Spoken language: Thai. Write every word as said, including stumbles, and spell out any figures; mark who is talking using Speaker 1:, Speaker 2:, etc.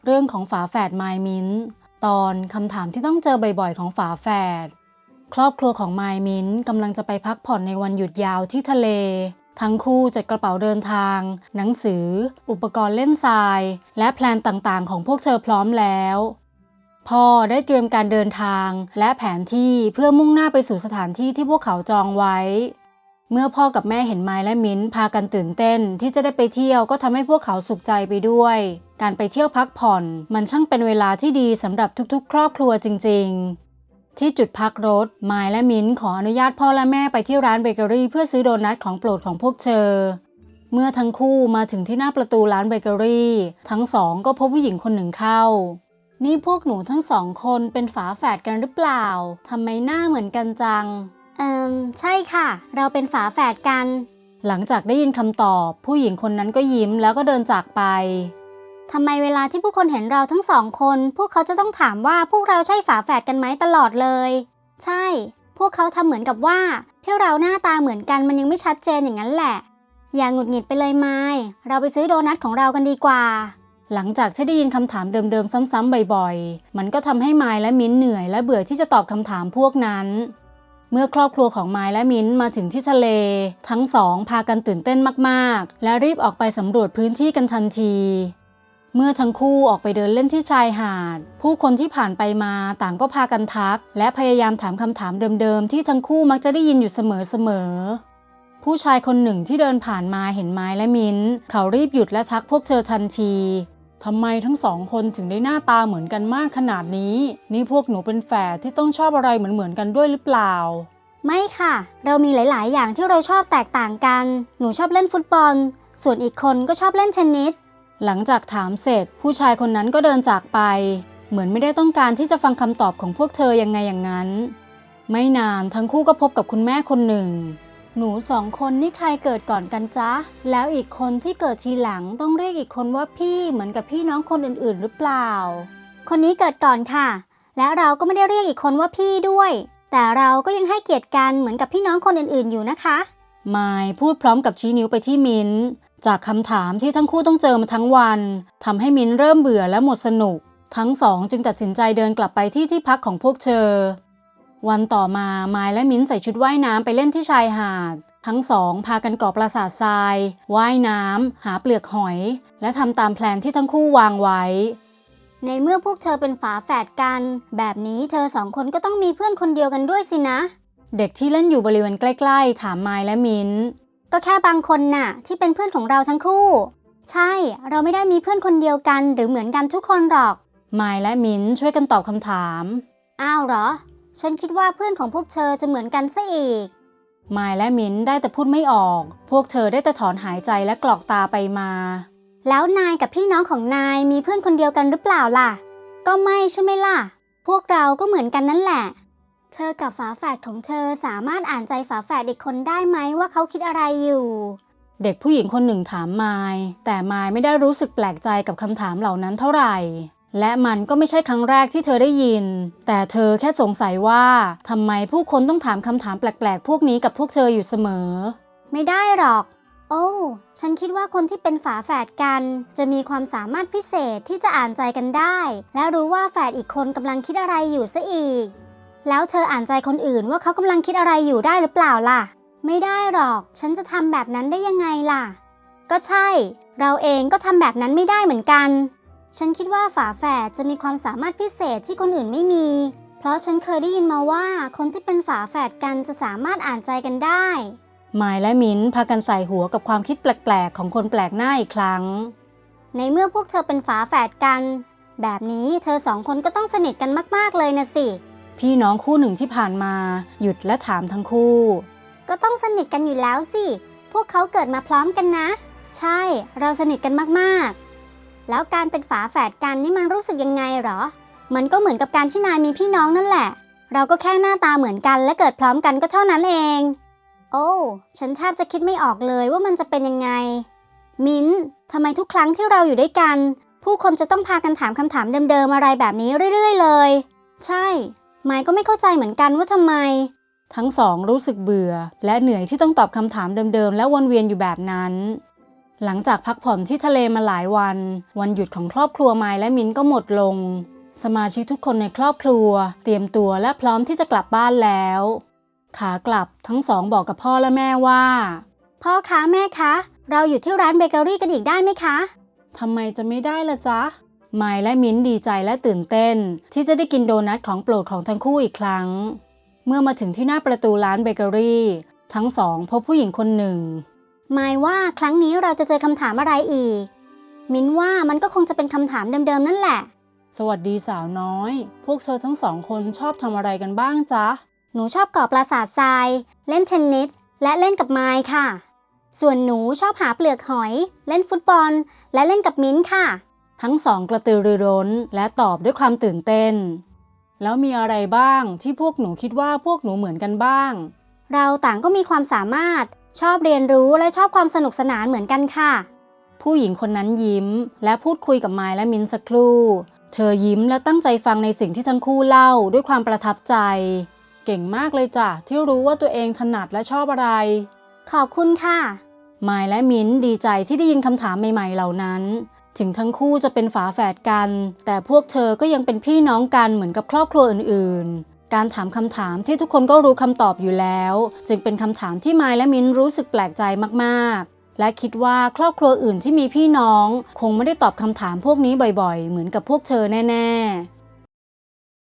Speaker 1: เรื่องของฝาแฝดไมล์มิ้นท์ตอนคำถามที่ต้องเจอบ่อยๆของฝาแฝดครอบครัวของไมล์มิ้นท์กำลังจะไปพักผ่อนในวันหยุดยาวที่ทะเลทั้งคู่จัดกระเป๋าเดินทางหนังสืออุปกรณ์เล่นทรายและแพลนต่างๆของพวกเธอพร้อมแล้วพ่อได้เตรียมการเดินทางและแผนที่เพื่อมุ่งหน้าไปสู่สถานที่ที่พวกเขาจองไว้เมื่อพ่อกับแม่เห็นไมล์และมิ้นท์พากันตื่นเต้นที่จะได้ไปเที่ยวก็ทำให้พวกเขาสุขใจไปด้วยการไปเที่ยวพักผ่อนมันช่างเป็นเวลาที่ดีสำหรับทุกๆครอบครัวจริงๆที่จุดพักรถไมล์และมิ้นท์ขออนุญาตพ่อและแม่ไปที่ร้านเบเกอรี่เพื่อซื้อโดนัทของโปรดของพวกเธอเมื่อทั้งคู่มาถึงที่หน้าประตูร้านเบเกอรี่ทั้งสองก็พบผู้หญิงคนหนึ่งเข้านี่พวกหนูทั้งสองคนเป็นฝาแฝดกันหรือเปล่าทำไมหน้าเหมือนกันจัง
Speaker 2: เอ่อใช่ค่ะเราเป็นฝาแฝดกัน
Speaker 1: หลังจากได้ยินคำตอบผู้หญิงคนนั้นก็ยิ้มแล้วก็เดินจากไป
Speaker 2: ทำไมเวลาที่ผู้คนเห็นเราทั้งสองคนพวกเขาจะต้องถามว่าพวกเราใช่ฝาแฝดกันไหมตลอดเลยใช่พวกเขาทำเหมือนกับว่าที่เราหน้าตาเหมือนกันมันยังไม่ชัดเจนอย่างนั้นแหละอย่าหงุดหงิดไปเลยไมล์เราไปซื้อโดนัทของเรากันดีกว่า
Speaker 1: หลังจากที่ได้ยินคำถามเดิมๆซ้ำๆบ่อยๆมันก็ทำให้ไมล์และมิ้นท์เหนื่อยและเบื่อที่จะตอบคำถามพวกนั้นเมื่อครอบครัวของไมล์และมิ้นท์มาถึงที่ทะเลทั้งสองพากันตื่นเต้นมากๆและรีบออกไปสำรวจพื้นที่กันทันทีเมื่อทั้งคู่ออกไปเดินเล่นที่ชายหาดผู้คนที่ผ่านไปมาต่างก็พากันทักและพยายามถามคำถามเดิมๆที่ทั้งคู่มักจะได้ยินอยู่เสมอๆผู้ชายคนหนึ่งที่เดินผ่านมาเห็นไมล์และมิ้นท์เขารีบหยุดและทักพวกเธอทันทีทำไมทั้งสองคนถึงได้หน้าตาเหมือนกันมากขนาดนี้นี่พวกหนูเป็นแฝดที่ต้องชอบอะไรเหมือนๆกันด้วยหรือเปล่า
Speaker 2: ไม่ค่ะเรามีหลายๆอย่างที่เราชอบแตกต่างกันหนูชอบเล่นฟุตบอลส่วนอีกคนก็ชอบเล่นเทนนิส
Speaker 1: หลังจากถามเสร็จผู้ชายคนนั้นก็เดินจากไปเหมือนไม่ได้ต้องการที่จะฟังคำตอบของพวกเธอยังไงอย่างนั้นไม่นานทั้งคู่ก็พบกับคุณแม่คนหนึ่งหนูสองคนนี่ใครเกิดก่อนกันจ๊ะแล้วอีกคนที่เกิดทีหลังต้องเรียกอีกคนว่าพี่เหมือนกับพี่น้องคนอื่นๆหรือเปล่า
Speaker 2: คนนี้เกิดก่อนค่ะและเราก็ไม่ได้เรียกอีกคนว่าพี่ด้วยแต่เราก็ยังให้เกียรติกันเหมือนกับพี่น้องคนอื่นๆอยู่นะคะ
Speaker 1: ไมล์พูดพร้อมกับชี้นิ้วไปที่มิ้นท์จากคำถามที่ทั้งคู่ต้องเจอมาทั้งวันทำให้มิ้นท์เริ่มเบื่อและหมดสนุกทั้งสองจึงตัดสินใจเดินกลับไปที่ที่พักของพวกเธอวันต่อมาไมล์และมิ้นท์ใส่ชุดว่ายน้ำไปเล่นที่ชายหาดทั้งสองพากันก่อปราสาททรายว่ายน้ำหาเปลือกหอยและทำตามแผนที่ทั้งคู่วางไว้
Speaker 2: ในเมื่อพวกเธอเป็นฝาแฝดกันแบบนี้เธอสองคนก็ต้องมีเพื่อนคนเดียวกันด้วยสินะ
Speaker 1: เด็กที่เล่นอยู่บริเวณใกล้ๆถามไมล์และมิ้นท์
Speaker 2: ก็แค่บางคนน่ะที่เป็นเพื่อนของเราทั้งคู่ใช่เราไม่ได้มีเพื่อนคนเดียวกันหรือเหมือนกันทุกคนหรอก
Speaker 1: ไมล์และมิ้นท์ช่วยกันตอบคำถาม
Speaker 2: อ้าวเหรอฉันคิดว่าเพื่อนของพวกเธอจะเหมือนกันซะอีก
Speaker 1: ไมล์และมิ้นท์ได้แต่พูดไม่ออกพวกเธอได้แต่ถอนหายใจและกรอกตาไปมา
Speaker 2: แล้วนายกับพี่น้องของนายมีเพื่อนคนเดียวกันหรือเปล่าล่ะก็ไม่ใช่ไหมล่ะพวกเราก็เหมือนกันนั่นแหละเธอกับฝาแฝดของเธอสามารถอ่านใจฝาแฝดอีกคนได้ไหมว่าเขาคิดอะไรอยู่
Speaker 1: เด็กผู้หญิงคนหนึ่งถามไมล์แต่ไมล์ไม่ได้รู้สึกแปลกใจกับคำถามเหล่านั้นเท่าไหร่และมันก็ไม่ใช่ครั้งแรกที่เธอได้ยินแต่เธอแค่สงสัยว่าทำไมผู้คนต้องถามคำถามแปลกๆพวกนี้กับพวกเธออยู่เสมอ
Speaker 2: ไม่ได้หรอกโอ้ฉันคิดว่าคนที่เป็นฝาแฝดกันจะมีความสามารถพิเศษที่จะอ่านใจกันได้และรู้ว่าแฝดอีกคนกำลังคิดอะไรอยู่ซะอีกแล้วเธออ่านใจคนอื่นว่าเขากำลังคิดอะไรอยู่ได้หรือเปล่าล่ะไม่ได้หรอกฉันจะทำแบบนั้นได้ยังไงล่ะก็ใช่เราเองก็ทำแบบนั้นไม่ได้เหมือนกันฉันคิดว่าฝาแฝดจะมีความสามารถพิเศษที่คนอื่นไม่มีเพราะฉันเคยได้ยินมาว่าคนที่เป็นฝาแฝดกันจะสามารถอ่านใจกันได้
Speaker 1: ไมล์และมิ้นท์พากันใส่หัวกับความคิดแปลกๆของคนแปลกหน้าอีกครั้ง
Speaker 2: ในเมื่อพวกเธอเป็นฝาแฝดกันแบบนี้เธอสองคนก็ต้องสนิทกันมากๆเลยนะสิ
Speaker 1: พี่น้องคู่หนึ่งที่ผ่านมาหยุดและถามทั้งคู่
Speaker 2: ก็ต้องสนิทกันอยู่แล้วสิพวกเขาเกิดมาพร้อมกันนะใช่เราสนิทกันมากๆแล้วการเป็นฝาแฝดกันนี่มันรู้สึกยังไงหรอมันก็เหมือนกับการที่นายมีพี่น้องนั่นแหละเราก็แค่หน้าตาเหมือนกันและเกิดพร้อมกันก็เท่านั้นเองโอ้ฉันแทบจะคิดไม่ออกเลยว่ามันจะเป็นยังไงมิ้นท์ทำไมทุกครั้งที่เราอยู่ด้วยกันผู้คนจะต้องพากันถามคำถามเดิมๆอะไรแบบนี้เรื่อยๆเลยใช่ไมค์ก็ไม่เข้าใจเหมือนกันว่าทำไม
Speaker 1: ทั้งสองรู้สึกเบื่อและเหนื่อยที่ต้องตอบคำถามเดิมๆและวนเวียนอยู่แบบนั้นหลังจากพักผ่อนที่ทะเลมาหลายวันวันหยุดของครอบครัวไมล์และมิ้นก็หมดลงสมาชิกทุกคนในครอบครัวเตรียมตัวและพร้อมที่จะกลับบ้านแล้วขากลับทั้งสองบอกกับพ่อและแม่ว่า
Speaker 2: พ่อคะแม่คะเราอยู่ที่ร้านเบเกอรี่กันอีกได้ไหมคะ
Speaker 1: ทำไมจะไม่ได้ล่ะจ๊ะไมล์และมิ้นดีใจและตื่นเต้นที่จะได้กินโดนัทของโปรดของทั้งคู่อีกครั้งเมื่อมาถึงที่หน้าประตูร้านเบเกอรี่ทั้งสองพบผู้หญิงคนหนึ่ง
Speaker 2: หมายว่าครั้งนี้เราจะเจอคำถามอะไรอีกมิ้นว่ามันก็คงจะเป็นคำถามเดิมๆนั่นแหละ
Speaker 1: สวัสดีสาวน้อยพวกเธอทั้งสองคนชอบทำอะไรกันบ้างจ๊ะ
Speaker 2: หนูชอบก่อปราสาททรายเล่นเทนนิสและเล่นกับไมค์ค่ะส่วนหนูชอบหาเปลือกหอยเล่นฟุตบอลและเล่นกับมิ้นค่ะ
Speaker 1: ทั้งสองกระตือรือร้นและตอบด้วยความตื่นเต้นแล้วมีอะไรบ้างที่พวกหนูคิดว่าพวกหนูเหมือนกันบ้าง
Speaker 2: เราต่างก็มีความสามารถชอบเรียนรู้และชอบความสนุกสนานเหมือนกันค่ะ
Speaker 1: ผู้หญิงคนนั้นยิ้มและพูดคุยกับไมล์และมิ้นสักครู่เธอยิ้มและตั้งใจฟังในสิ่งที่ทั้งคู่เล่าด้วยความประทับใจเก่งมากเลยจ้ะที่รู้ว่าตัวเองถนัดและชอบอะไร
Speaker 2: ขอบคุณค่ะ
Speaker 1: ไมล์และมิ้นดีใจที่ได้ยินคำถามใหม่ๆเหล่านั้นถึงทั้งคู่จะเป็นฝาแฝดกันแต่พวกเธอก็ยังเป็นพี่น้องกันเหมือนกับครอบครัวอื่นๆการถามคำถามที่ทุกคนก็รู้คำตอบอยู่แล้วจึงเป็นคำถามที่ไมล์และมิ้นรู้สึกแปลกใจมากๆและคิดว่าครอบครัวอื่นที่มีพี่น้องคงไม่ได้ตอบคำถามพวกนี้บ่อยๆเหมือนกับพวกเธอแน่ๆ